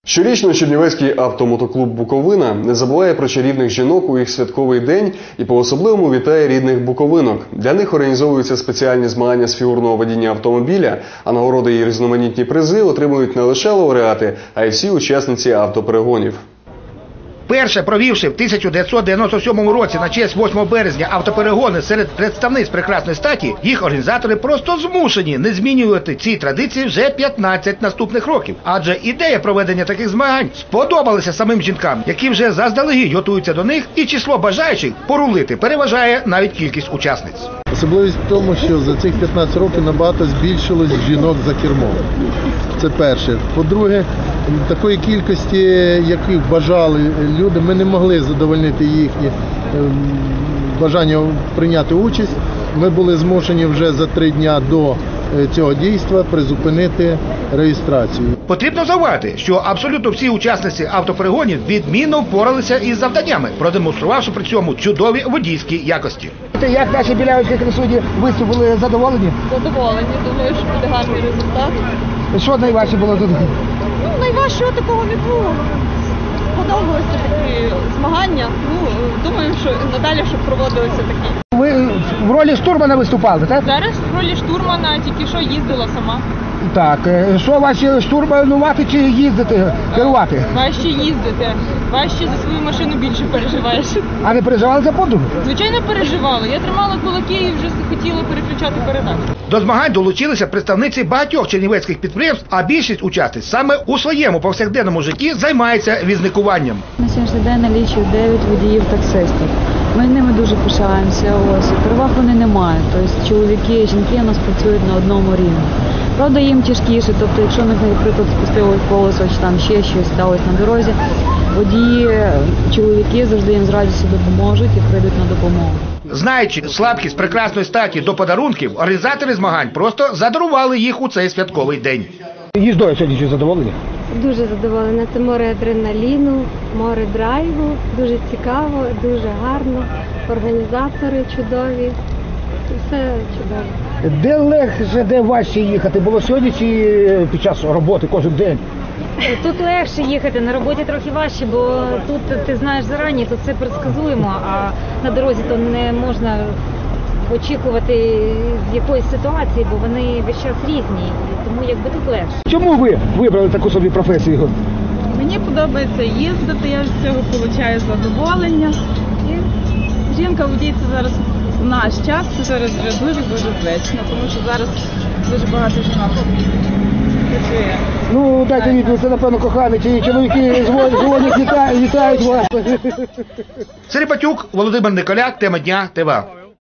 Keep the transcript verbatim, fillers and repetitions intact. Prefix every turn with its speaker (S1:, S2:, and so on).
S1: Щорічно Чернівецький автомотоклуб «Буковина» не забуває про чарівних жінок у їх святковий день і по-особливому вітає рідних буковинок. Для них організовуються спеціальні змагання з фігурного водіння автомобіля, а нагороди і різноманітні призи отримують не лише лауреати, а й всі учасниці автоперегонів.
S2: Перше провівши в тисяча дев'ятсот дев'яносто сьомому році на честь восьмого березня автоперегони серед представниць прекрасної статі, їх організатори просто змушені не змінювати ці традиції вже п'ятнадцять наступних років. Адже ідея проведення таких змагань сподобалася самим жінкам, які вже заздалегідь готуються до них, і число бажаючих порулити переважає навіть кількість учасниць.
S3: Особливість в тому, що за цих п'ятнадцять років набагато збільшилось жінок за кермом. Це перше. По-друге, такої кількості, яких бажали люди, ми не могли задовольнити їхні бажання прийняти участь. Ми були змушені вже за три дня до цього дійства призупинити реєстрацію.
S2: Потрібно зауважити, що абсолютно всі учасниці автоперегонів відмінно впоралися із завданнями, продемонструвавши при цьому чудові водійські якості. Як наші білявські красуні виступили, задоволені?
S4: Задоволені, думаю, що буде гарний результат.
S2: Що найважче було тут?
S4: Ну, найважчого такого не було. Подобалися такі змагання. Ну, думаю, що надалі, щоб проводилися такі.
S2: Ви в ролі штурмана виступали, так?
S4: Зараз в ролі штурмана тільки що їздила сама.
S2: Так, що важче штурманувати чи їздити, керувати?
S4: Важче їздити. Важче за свою машину більше переживаєш.
S2: А не переживали за подругу?
S4: Звичайно, переживала. Я тримала кулаки і вже хотіла переключати передачу.
S2: До змагань долучилися представниці багатьох чернівецьких підприємств, а більшість учасниць саме у своєму повсякденному житті займається візникуванням.
S5: На сьогоднішній день налічують дев'ять водіїв-таксистів. Ми ними дуже пишаємося. Ось, переваг вони не мають. Тобто чоловіки і жінки у нас працюють на одному рівні. Правда, їм тяжкіше, тобто якщо, наприклад, спустилось колесо чи там ще щось сталося на дорозі, водії, чоловіки завжди їм з радістю допоможуть і прийдуть на допомогу.
S2: Знаючи слабкість прекрасної статі до подарунків, організатори змагань просто задарували їх у цей святковий день. Їздою сьогодні чи задоволені?
S6: Дуже задоволена. Це море адреналіну, море драйву. Дуже цікаво, дуже гарно. Організатори чудові. Все чудово.
S2: Де легше, де важче їхати? Було сьогодні чи під час роботи кожен день?
S5: Тут легше їхати, на роботі трохи важче, бо тут ти знаєш зарані, тут все предсказуємо, а на дорозі то не можна очікувати з якоїсь ситуації, бо вони весь час різні, тому якби тут легше.
S2: Чому ви вибрали таку собі професію?
S4: Мені подобається їздити, я з цього отримую задоволення. І жінка водій – це зараз в наш час, це зараз вже дуже-дуже звично, тому що зараз дуже багато жінок працює.
S2: Ну, дайте відповідь, це, напевно, коханий, чи чоловіки дзвонять, вітають вас. Серепатюк, Володимир Николяк, тема дня, ТВА.